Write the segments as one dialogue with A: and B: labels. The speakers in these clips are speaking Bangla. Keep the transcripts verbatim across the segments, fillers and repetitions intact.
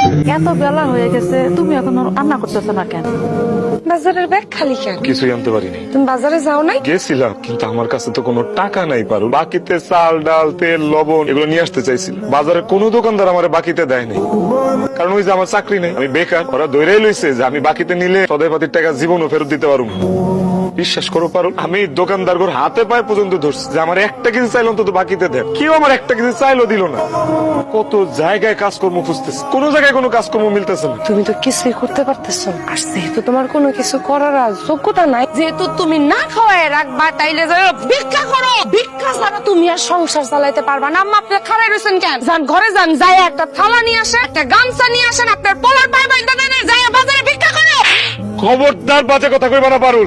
A: এত বেলা হয়ে গেছে, তুমি এখন রান্না করতেছো না কেন?
B: বাজারের ব্যাগ খালি কেন?
C: কিছুই আনতে পারিনি।
B: তুমি বাজারে যাও নাই?
C: গেছিলাম, কিন্তু আমার কাছে তো কোনো টাকা নাই পারু। বাকিতে চাল ডাল তেল লবণ এগুলো নিয়ে আসতে চাইছিল। বাজারে কোনো দোকানদার আমার বাকিতে দেয় নাই, কারণ ওই যে আমার চাকরি নেই, আমি বেকার। ওরা ধরেই লইছে যে আমি বাকিতে নিলে সদাই পাতির টাকা জীবনও ফেরত দিতে পারবো না। বিশ্বাস করো পারো, আমি দোকানদার ঘর হাতে পায়ে পর্যন্ত ধরছি যে আমার একটা কিছু চাইলো অন্তত বাকিতে দেন। কেউ আমার একটা কিছু চাইলো দিল না। কত জায়গায় কাজকর্ম খুঁজতেছে, কোনো জায়গায় কোনো কাজকর্ম মিলতেছে না।
B: তুমি তো কিছুই করতে পারতেছো না। আর যেহেতু তোমার কোনো কিছু করার আর যোগ্যতা নাই, যেহেতু তুমি না খাওয়ায় রাখবা, তাইলে যাও ভিক্ষা করো। ভিক্ষা ছাড়া তুমি আর সংসার চালাইতে পারবা না। আম্মা, আপনি খাড়াই রয়েছেন কেন? যান ঘরে যান, যাই একটা থালা নিয়ে আসেন, একটা গামছা নিয়ে আসেন, আপনার পোলার পাই বাইন্দা দেন, যাই বাজারে ভিক্ষা করো।
C: খবরদার বাজে কথা কইবা না পারুল।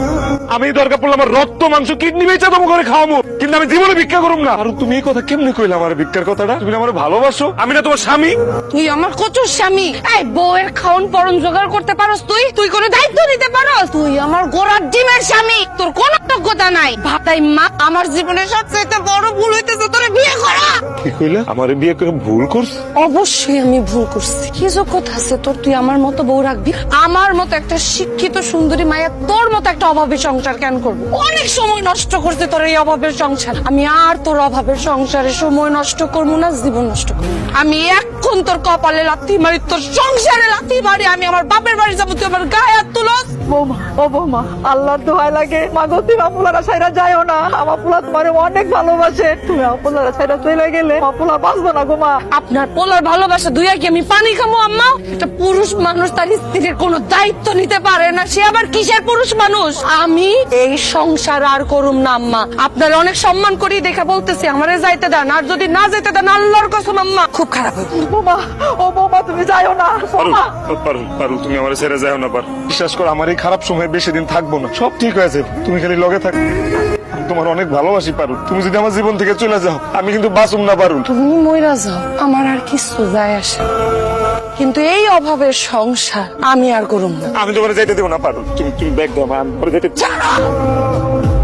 C: আমি দরকার পড়লে আমার রক্ত মাংস কিডনি বেচা তোমার ঘরে খাওয়াবো, কিন্তু আমি জীবনে ভিক্ষা করুম না। আর তুমি এই কথা কেমনে কইলা? আমার ভিক্ষার কথাটা, তুমি আমার ভালোবাসো, আমি না তোমার স্বামী।
B: তুই আমার কচুর স্বামী। এই বউয়ের খাওন পরন জোগাড় করতে পারস তুই? তুই কোনো দায়িত্ব নিতে পারস? তুই আমার গোড়ার ডিমের স্বামী, তোর কোনো যোগ্যতা নাই। ভাতাই মা, আমার জীবনের সবচেয়ে বড় ভুল হইতেছে তোরে বিয়ে করা।
C: কি কইলা? আমার বিয়ে করে ভুল করছ?
B: অবশ্যই আমি ভুল করছি। কি যোগ্যতা আছে তোর? তুই আমার মতো বউ রাখবি? আমার মতো একটা শিক্ষিত সুন্দরী মায়া তোর মতো একটা অভাবী সংসার কেন করবো? অনেক সময় নষ্ট করছে তোর এই অভাবের সংসার। আমি আর তোর অভাবের সংসারে সময় নষ্ট করবো না, জীবন নষ্ট করবো। আমি এখন তোর কপালে লাথি মারি, তোর সংসারে লাথি মারি। আমি আমার বাপের বাড়ি যাবো, তুই আমার গায়ে হাত তুলস?
A: বৌমা, ও বৌমা, আল্লাহর দোহাই লাগে, মাগো তুমি আপুলারা ছাইরা যাইও না। আমার পোলা তোমার অনেক ভালোবাসে, তুমি আপুলারা ছাইরা চলে গেলে আপুলা বাঁচবো না গো মা।
B: আপনার পোলার ভালোবাসা দুইয়া কি আমি পানি খামো আম্মা? একটা পুরুষ মানুষ তার স্ত্রীর কোনো দায়িত্ব নিতে পারে না, সে আবার কিসের পুরুষ মানুষ? আমি এই সংসার আর করুম না আম্মা। আপনার অনেক সম্মান করি দেখা বলতেছি, আমারে যাইতে দেন। আর যদি না যেতে দেন, আল্লাহর কসম আম্মা খুব খারাপ হবে।
A: বৌমা, ও বৌমা, তুমি যাইও না।
C: পারুল,
A: বৌমা,
C: পারুল, পারুল, তুমি আমার ছেড়ে যাও না। পার বিশ্বাস করো, আমার এই খারাপ সময় বেশি দিন থাকবো না, সব ঠিক হয়েছে। তুমি খালি লগে থাক। আমি তোমার অনেক ভালোবাসি পারুল। তুমি যদি আমার জীবন থেকে চলে যাও, আমি কিন্তু বাঁচুম না পারুল।
B: তুমি মইরা যাও, আমার আর কিছু যায় আসে না। কিন্তু এই অভাবের সংসার আমি আর করুম না।
C: আমি তোমার যাইতে দেবো না পারুল। তুমি তুমি ব্যাগ দাও, আমি পরে যেতে চাই না।